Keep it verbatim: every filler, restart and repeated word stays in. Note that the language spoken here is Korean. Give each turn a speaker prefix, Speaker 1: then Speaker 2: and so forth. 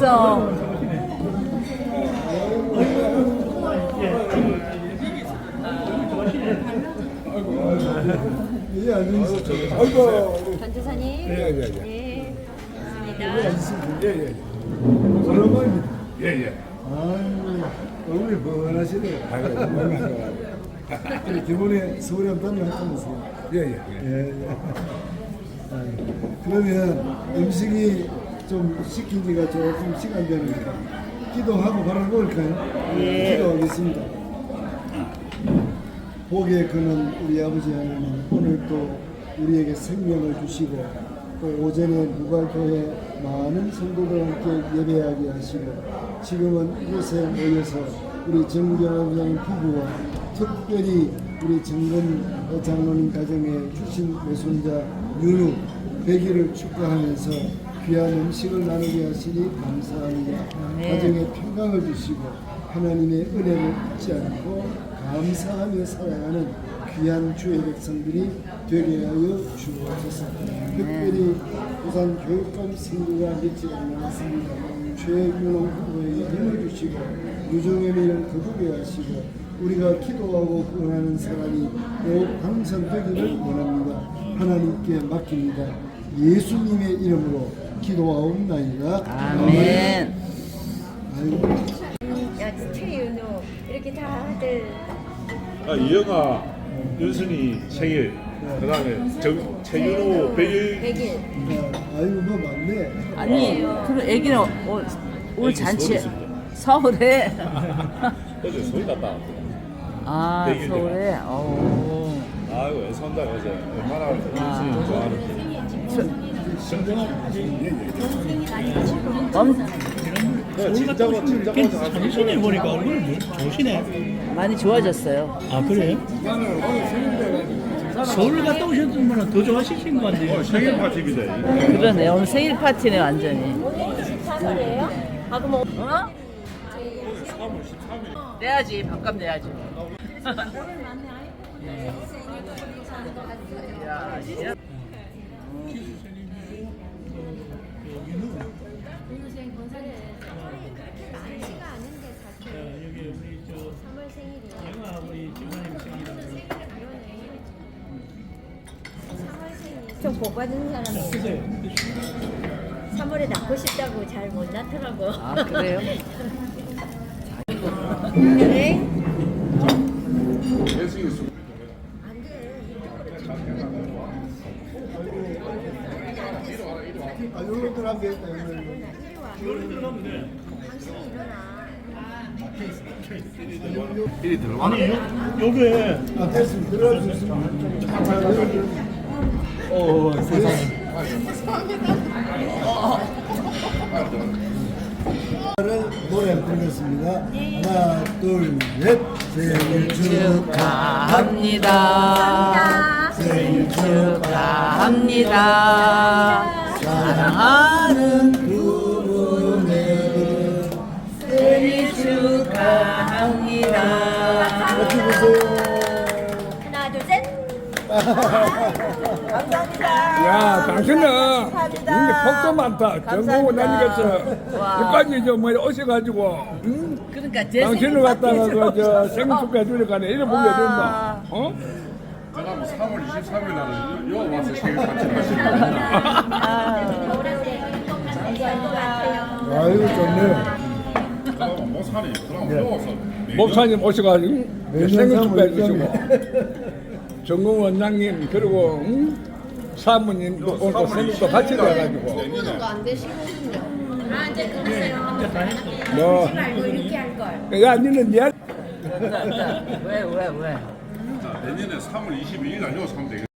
Speaker 1: 왔어.
Speaker 2: 예, 안녕하세요. 아이고.
Speaker 3: 전주사님.
Speaker 2: 예, 예, 예.
Speaker 3: 네.
Speaker 2: 예,
Speaker 3: 반갑습니다.
Speaker 2: 예, 예. 오랜만입니다.
Speaker 4: 예, 예.
Speaker 2: 아이고, 얼굴이 뻔하시네요. 아이고, 반가워요. 기본에 서울에 한번 다녀왔다면서요.
Speaker 4: 예, 예.
Speaker 2: 예, 예. 아이고, 그러면 음식이 좀 시킨 지가 조금 시간 되니까 기도하고 바로 먹을까요?
Speaker 1: 예.
Speaker 2: 기도하겠습니다. 복에 그는 우리 아버지 하나님, 오늘 또 우리에게 생명을 주시고 또 오전에 무갈교회 많은 성도들 함께 예배하게 하시고 지금은 이곳에 모여서 우리 정경원장 부부와 특별히 우리 정근 장로님 가정에 주신 외손자 윤우 백일을 축하하면서 귀한 음식을 나누게 하시니 감사합니다.
Speaker 1: 네.
Speaker 2: 가정에 평강을 주시고 하나님의 은혜를 잊지 않고 감사하며 살아가는 귀한 주의 백성들이 되게 하여 주옵소서. 특별히 부산 교육감 선교가 며칠 남았습니다. 최윤호 후보에게 힘을 주시고 유종의 미를 거두게 하시고 우리가 기도하고 원하는 사람이 꼭 당선되기를 원합니다. 하나님께 맡깁니다. 예수님의 이름으로 기도하옵나이다.
Speaker 1: 아멘.
Speaker 2: 아이고.
Speaker 3: 야, 최윤우 이렇게 다들
Speaker 4: 아, 이영아, 윤순이 생일, 그 다음에 정, 최윤호 백일.
Speaker 3: 백일.
Speaker 2: 아이고 뭐 많네.
Speaker 1: 아니, 그럼 애기는 올, 올
Speaker 4: 애기
Speaker 1: 잔치
Speaker 4: 서울에
Speaker 1: 서울에.
Speaker 4: 어제 소리 났다.
Speaker 1: 아,
Speaker 4: 백일
Speaker 1: 서울에. 어.
Speaker 4: 아이고, 애선다, 어제. 얼마나 윤순이 좋아하는지.
Speaker 1: 엄,
Speaker 4: 그래, 진짜고, 진짜고
Speaker 5: 사진에 보니까 얼굴이 좋으시네.
Speaker 1: 많이 좋아졌어요.
Speaker 5: 아 그래요? 서울 갔다 오셨으면 더 좋아하시신 것 같아요.
Speaker 4: 어, 생일 파티입니다.
Speaker 1: 그러네. 오늘 생일 파티네 완전히.
Speaker 3: 오늘 이십사 살이에요? 아 그럼
Speaker 1: 어? 내야지. 밥값 내야지.
Speaker 3: 많지가 않은데 사실
Speaker 5: 여기 우리 저
Speaker 3: 삼월 생일이에요.
Speaker 5: 영아 우리 집사님 생일이라고.
Speaker 3: 삼월 생일. 좀 복 받은 사람이에요. 삼월에 낳고 싶다고 잘 못 낳더라고.
Speaker 1: 아, 그래요?
Speaker 3: 그래?
Speaker 4: 예수님 수.
Speaker 3: 안 돼.
Speaker 2: 아, 요런들 하면 되겠다.
Speaker 3: 이리 와. 당신이 일어나.
Speaker 4: 일이 들어가.
Speaker 5: 아니 요, 요게
Speaker 2: 아, 됐습니다. 들어갈 수 있습니다.
Speaker 5: 어 세상에.
Speaker 2: 노래 부르겠습니다. 하나, 둘, 셋. 생일
Speaker 1: 축하합니다. 생일 축하합니다. 사랑하는 부부네 생일 축하합니다.
Speaker 2: 어떻게 보세요?
Speaker 3: 하나, 둘, 셋.
Speaker 6: 야, 당신은 이게 복도 많다. 전국 원장님께서 여기까지 저뭐 오셔가지고, 응?
Speaker 1: 그러니까 제
Speaker 6: 당신을
Speaker 1: 생일
Speaker 6: 갖다가
Speaker 1: 파티에서
Speaker 6: 그저 생일 축하해 주니까 이래 보게 된다. 어?
Speaker 4: 그다음 삼월 이십삼일 날은 요 와서 생일 파티를 하시는 거야.
Speaker 3: 오래오래 건강할 것 같아요.
Speaker 2: 아유, 좋네요.
Speaker 4: 그럼 목사님, 그럼 요 와서.
Speaker 6: 목사님 오셔가지고
Speaker 2: 매년
Speaker 6: 생일
Speaker 2: 삼월
Speaker 6: 축하해
Speaker 2: 일점에.
Speaker 6: 주시고, 전국 원장님 그리고 응? 사모님도 오늘 생일도 같이 돼가지고,
Speaker 3: 안 되시거든요. 아 이제 그러세요.
Speaker 6: 뭐,
Speaker 3: 말고 이렇게 할 걸.
Speaker 6: 야, 니는 내
Speaker 1: 왜, 왜, 왜?
Speaker 4: 자, 내년에 삼월 이십이일 날 요 사면 되겠다.